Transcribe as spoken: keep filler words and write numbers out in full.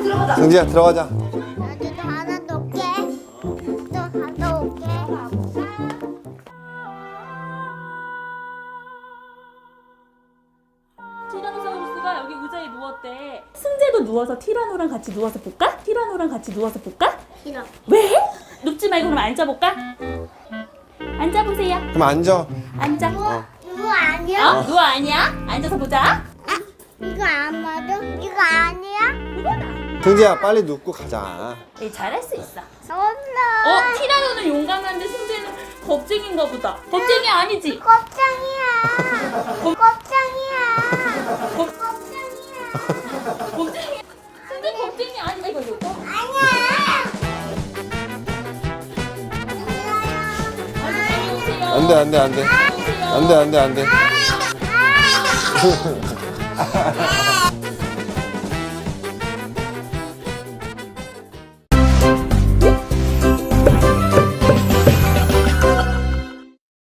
들어가자. 승지야 들어가자. 나도 하나 넣게. 또 하나 올게. 티라노사우루스가 여기 의자에 누웠대. 승재도 누워서 티라노랑 같이 누워서 볼까? 티라노랑 같이 누워서 볼까? 싫어. 왜? 눕지 말고 그럼 앉아볼까? 앉아보세요. 그럼 앉아. 앉아. 어. 이거 아니야? 어? 누워 아니야? 앉아서 보자. 이거 안 맞아? 이거 아니야? 승지야 빨리 눕고 가자. 네, 잘할 수 있어. 엄마. 어? 티라노는 용감한데 승재는 겁쟁인가 보다. 겁쟁이 아니지? 껍장이야. 겁- 껍장이야. 겁- 껍장이야. 겁쟁이. 승재 겁쟁이 아니. 이거 이거. 아니야. 앉으세요. 안돼 안돼 안돼 앉으세요. 안돼 안돼 안돼. 아.